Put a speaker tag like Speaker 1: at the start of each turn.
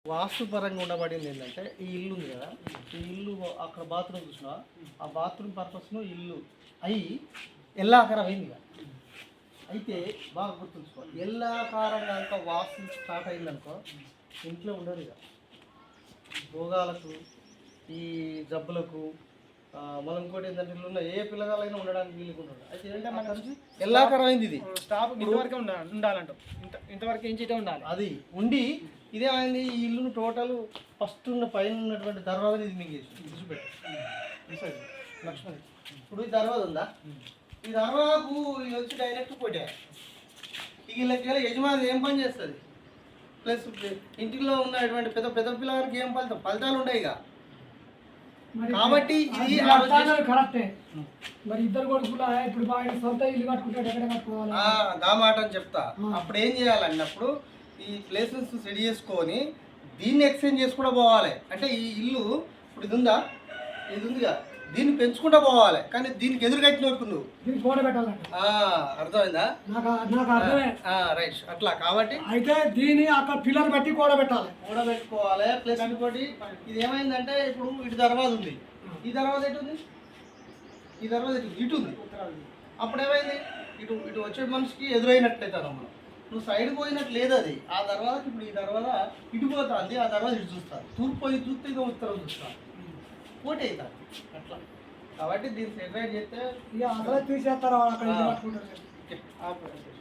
Speaker 1: వాస్తుపరంగా ఉండబడింది ఏంటంటే ఈ ఇల్లు ఉంది కదా, ఈ ఇల్లు అక్కడ బాత్రూమ్ చూసినా ఆ బాత్రూమ్ పర్పస్ను ఇల్లు అయి ఎల్లాకారం అయింది ఇక. అయితే బాగా గుర్తుంచుకో, ఎల్లాకారంగా ఇంకా వాస్తు స్టార్ట్ అయిందనుకో ఇంట్లో ఉండదు ఇక. భోగాలకు ఈ జబ్బులకు మనం ఇంకోటి ఏంటంటే ఇల్లు ఉన్న ఏ పిల్లగాలైనా ఉండడానికి వీలుగా ఉండదు. అయితే ఏంటంటే మన ఎల్లాకారం అయింది ఇది.
Speaker 2: స్టాప్ ఇంతవరకు ఉండాలంట, ఇంతవరకు ఏం చేయటం ఉండాలి.
Speaker 1: అది ఉండి ఇదేమైంది, ఈ ఇల్లును టోటల్ ఫస్ట్ ఉన్న పైన ఉన్నటువంటి దర్వాజని ఇది మీకు చూసిపెట్టు లక్ష్మణ్. ఇప్పుడు ఈ దర్వాజ ఉందా, ఈ దర్వాజకు ఇది వచ్చి డైరెక్ట్ పోటే వీళ్ళకి యజమాని ఏం పని చేస్తుంది, ప్లస్ ఇంటిలో ఉన్నటువంటి పెద్ద పెద్ద పిల్లలకి ఏం ఫలితాలు ఉంటాయి ఇక. కాబట్టి ఇది
Speaker 3: కరెక్టే. మరి ఇద్దరు కొడుకులు ఇప్పుడు బాగా సొంత ఇల్లు కట్టుకుంటాడు, ఎక్కడ కట్టుకోవాలి
Speaker 1: గా మాట అని చెప్తా. అప్పుడు ఏం చేయాలన్నప్పుడు ఈ ప్లేసెస్ సెట్ చేసుకొని దీన్ని ఎక్స్చేంజ్ చేసుకుంటూ పోవాలి. అంటే ఈ ఇల్లు ఇప్పుడు ఇది ఉందా, ఇది ఉందిగా, దీన్ని పెంచుకుంటూ పోవాలి. కానీ దీనికి ఎదురు కట్టిన వరకు నువ్వు
Speaker 3: దీన్ని గోడ పెట్టాలంట.
Speaker 1: అర్థమైందా?
Speaker 3: నాకు అర్థమే.
Speaker 1: రైట్. అట్లా కాబట్టి
Speaker 3: అయితే దీన్ని అక్కడ పిల్లలు పెట్టి గోడ పెట్టాలి,
Speaker 1: గోడ పెట్టుకోవాలి. ప్లస్ ఇంకోటి ఇది ఏమైందంటే ఇప్పుడు ఇటు దర్వాజ ఉంది, ఈ దర్వాజ ఎటు ఉంది, ఈ దర్వాజ ఇటు ఉంది. అప్పుడు ఏమైంది, ఇటు ఇటు వచ్చే మనిషికి ఎదురైనట్లయితే మనం నువ్వు సైడ్ పోయినట్టు లేదు అది. ఆ దర్వాజకి ఇప్పుడు ఈ దర్వాజ ఇటు పోతుంది, ఆ దర్వాజ ఇటు చూస్తాను, తూర్పు పోయి చూస్తే ఇక ఉత్తరం చూస్తాను, పోటీ అవుతాను అట్లా. కాబట్టి దీన్ని సెపరేట్ చేస్తే
Speaker 3: ఇక అసలు తీసేస్తారు, అక్కడ కట్టుకుంటారు.